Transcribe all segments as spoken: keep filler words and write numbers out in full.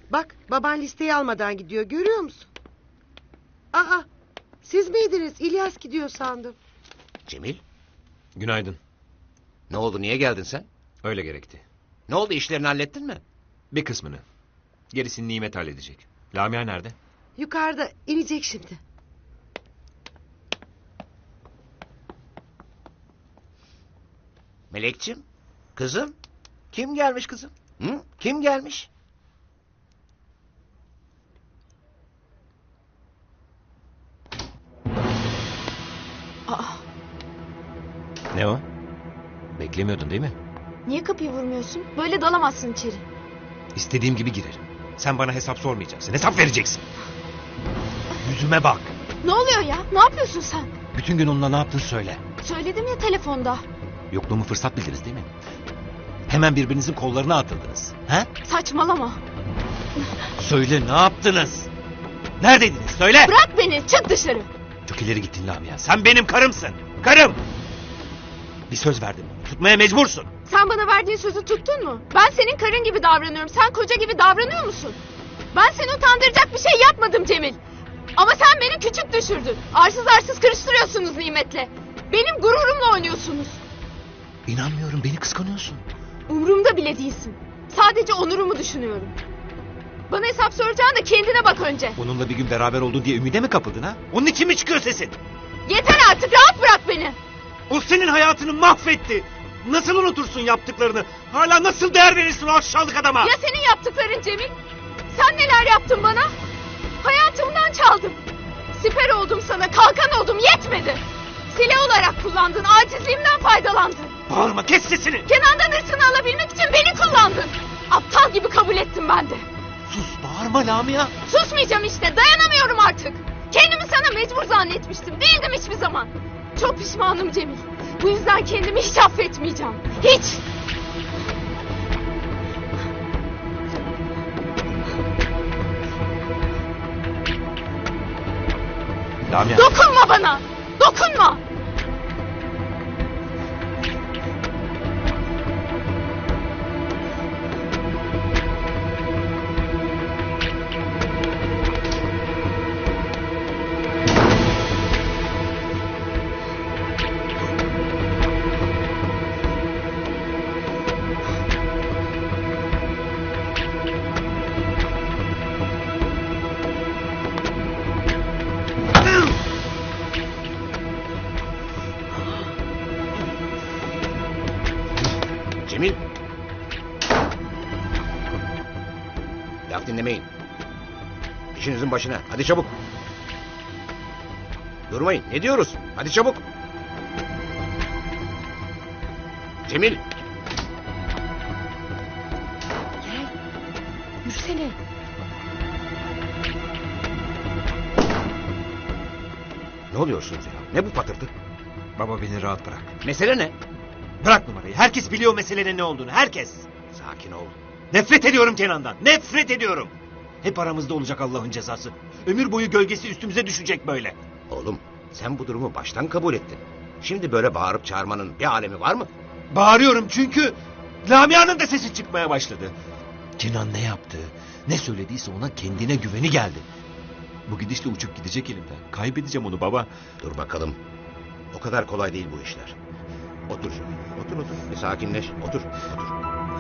Bak baban listeyi almadan gidiyor, görüyor musun? Aa, siz miydiniz? İlyas gidiyor sandım. Cemil, Günaydın. ne oldu, niye geldin sen? Öyle gerekti. Ne oldu, işlerini hallettin mi? Bir kısmını. Gerisini Nimet halledecek. Lamia nerede? Yukarıda inecek şimdi. Melekçim, kızım, kim gelmiş kızım? Hı? Kim gelmiş? Aa, Ne o? Beklemiyordun değil mi? niye kapıyı vurmuyorsun? Böyle dalamazsın içeri. İstediğim gibi girerim. Sen bana hesap sormayacaksın. Hesap vereceksin. Yüzüme bak. Ne oluyor ya? Ne yapıyorsun sen? Bütün gün onunla ne yaptın söyle. Söyledim ya telefonda. Yokluğumu fırsat bildiniz değil mi? Hemen birbirinizin kollarına atıldınız. He? Saçmalama. Söyle ne yaptınız? Neredeydiniz söyle. Bırak beni, çık dışarı. Çok ileri gittin Lamia. Sen benim karımsın. Karım. Bir söz verdim. Tutmaya mecbursun. Sen bana verdiğin sözü tuttun mu? Ben senin karın gibi davranıyorum. Sen koca gibi davranıyor musun? Ben seni utandıracak bir şey yapmadım Cemil. Ama sen beni küçük düşürdün. Arsız arsız karıştırıyorsunuz Nimet'le. Benim gururumla oynuyorsunuz. İnanmıyorum, beni kıskanıyorsun. Umurumda bile değilsin. Sadece onurumu düşünüyorum. Bana hesap soracağın da kendine bak önce. Onunla bir gün beraber oldun diye ümide mi kapıldın ha? Onun için mi çıkıyor sesin? Yeter artık, rahat bırak beni. O senin hayatını mahvetti. Nasıl unutursun yaptıklarını? Hala nasıl değer verirsin o aşağılık adama? Ya senin yaptıkların Cemil? Sen neler yaptın bana? Hayatımdan çaldın. Siper oldum sana, kalkan oldum, yetmedi. Silah olarak kullandın, acizliğimden faydalandın. Bağırma, kes sesini. Kenan'dan hırsını alabilmek için beni kullandın. Aptal gibi kabul ettim ben de. Sus, bağırma Lamia. Susmayacağım işte, dayanamıyorum artık. Kendimi sana mecbur zannetmiştim, değildim hiçbir zaman. Çok pişmanım Cemil. Bu yüzden kendimi hiç affetmeyeceğim. Hiç. Lamia. Dokunma bana. Dokunma. Cemil. Laf dinlemeyin. İşinizin başına, hadi çabuk. Durmayın, ne diyoruz? Hadi çabuk. Cemil. Gel. Yürüsene. Ne oluyorsunuz ya? Ne bu patırtı? Baba beni rahat bırak. Mesele ne? Bırak numarayı. Herkes biliyor meselenin ne olduğunu. Herkes. Sakin ol. Nefret ediyorum Kenan'dan. Nefret ediyorum. Hep aramızda olacak Allah'ın cezası. Ömür boyu gölgesi üstümüze düşecek böyle. Oğlum, sen bu durumu baştan kabul ettin. Şimdi böyle bağırıp çağırmanın bir alemi var mı? Bağırıyorum çünkü Lamia'nın da sesi çıkmaya başladı. Kenan ne yaptı, ne söylediyse ona kendine güveni geldi. Bu gidişle uçup gidecek elimden. Kaybedeceğim onu baba. Dur bakalım. O kadar kolay değil bu işler. Otur canım. Otur otur. Bir sakinleş. Otur. Otur.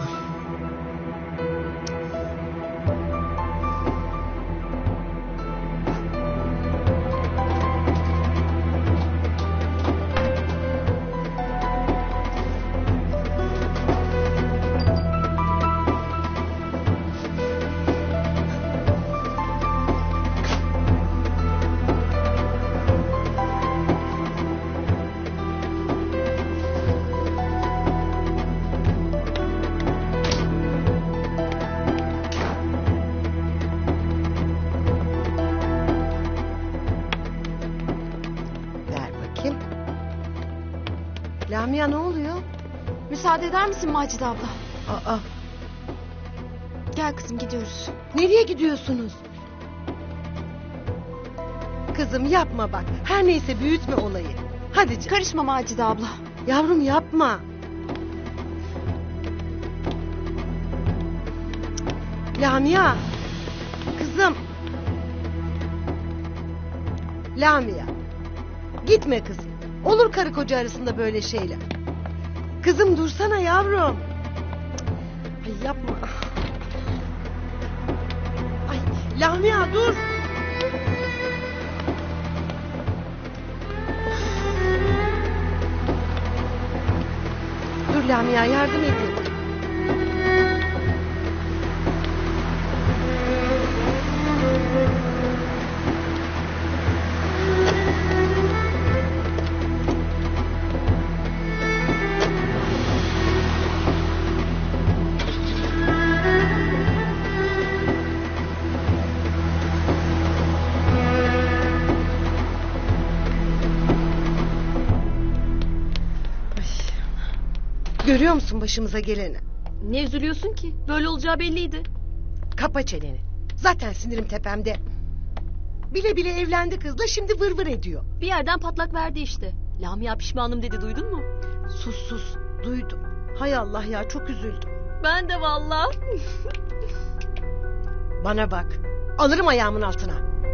Ver bakayım. Lamia ne oluyor? Müsaade eder misin Macide abla? Aa, Gel kızım, gidiyoruz. nereye gidiyorsunuz? Kızım yapma bak. Her neyse büyütme olayı. Hadi canım. Karışma Macide abla. Yavrum yapma. Lamia. Kızım. Lamia. Gitme kızım. Olur karı koca arasında böyle şeyler. Kızım dursana yavrum. Ay yapma. Ay Lamia dur. Dur Lamia yardım edeyim. Görüyor musun başımıza geleni? Ne üzülüyorsun ki? Böyle olacağı belliydi. Kapa çeneni. Zaten sinirim tepemde. Bile bile evlendi kızla şimdi vır vır ediyor. Bir yerden patlak verdi işte. Lamia pişmanım dedi, duydun mu? Sus sus duydum. Hay Allah ya çok üzüldüm. Ben de vallahi. Bana bak. Alırım ayağımın altına.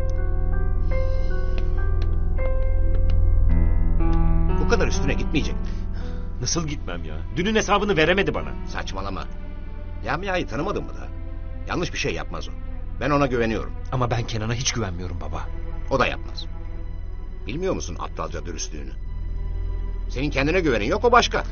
Bu kadar üstüne gitmeyecek. Nasıl gitmem ya? Dünün hesabını veremedi bana. Saçmalama. Lamia'yı tanımadın mı da? Yanlış bir şey yapmaz o. Ben ona güveniyorum. Ama ben Kenan'a hiç güvenmiyorum baba. O da yapmaz. Bilmiyor musun aptalca dürüstlüğünü? Senin kendine güvenin yok, o başka.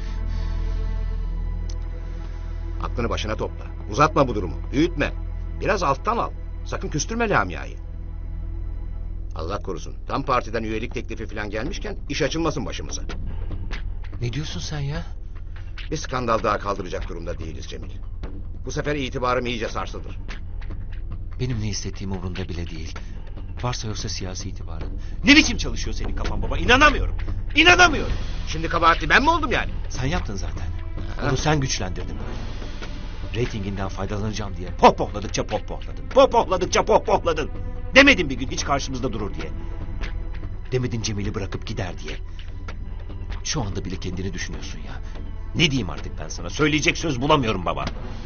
Aklını başına topla. Uzatma bu durumu. Büyütme. Biraz alttan al. Sakın küstürme Lamia'yı. Allah korusun. Tam partiden üyelik teklifi falan gelmişken iş açılmasın başımıza. Ne diyorsun sen ya? Bir skandal daha kaldıracak durumda değiliz Cemil. Bu sefer itibarım iyice sarsılır. Benim ne hissettiğim umurunda bile değil. Varsa yoksa siyasi itibarı. Ne biçim çalışıyor senin kafan baba? İnanamıyorum. İnanamıyorum. Şimdi kabahatli ben mi oldum yani? Sen yaptın zaten. Ha? Onu sen güçlendirdin böyle. Reytinginden faydalanacağım diye pohpohladıkça pohpohladın. Pohpohladıkça pohpohladın. Demedin bir gün hiç karşımızda durur diye. Demedin Cemil'i bırakıp gider diye. Şu anda bile kendini düşünüyorsun ya. Ne diyeyim artık ben sana? Söyleyecek söz bulamıyorum baba.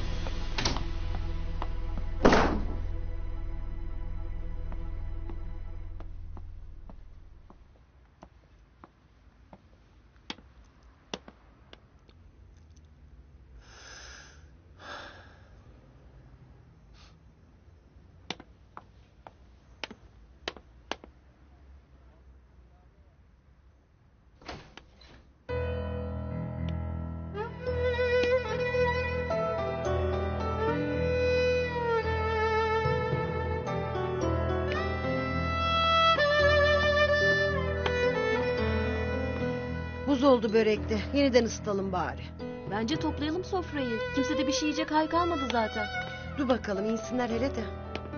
Buz oldu börekte. Yeniden ısıtalım bari. Bence toplayalım sofrayı. Kimse de bir şey yiyecek hal kalmadı zaten. Dur bakalım insinler hele de.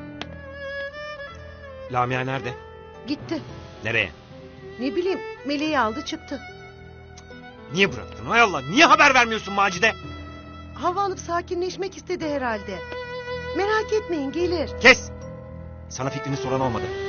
Lamia nerede? Gitti. Nereye? Ne bileyim Meleği aldı çıktı. Niye bıraktın? Hay Allah, niye haber vermiyorsun Macide? Hava alıp sakinleşmek istedi herhalde. Merak etmeyin gelir. Kes! Sana fikrini soran olmadı.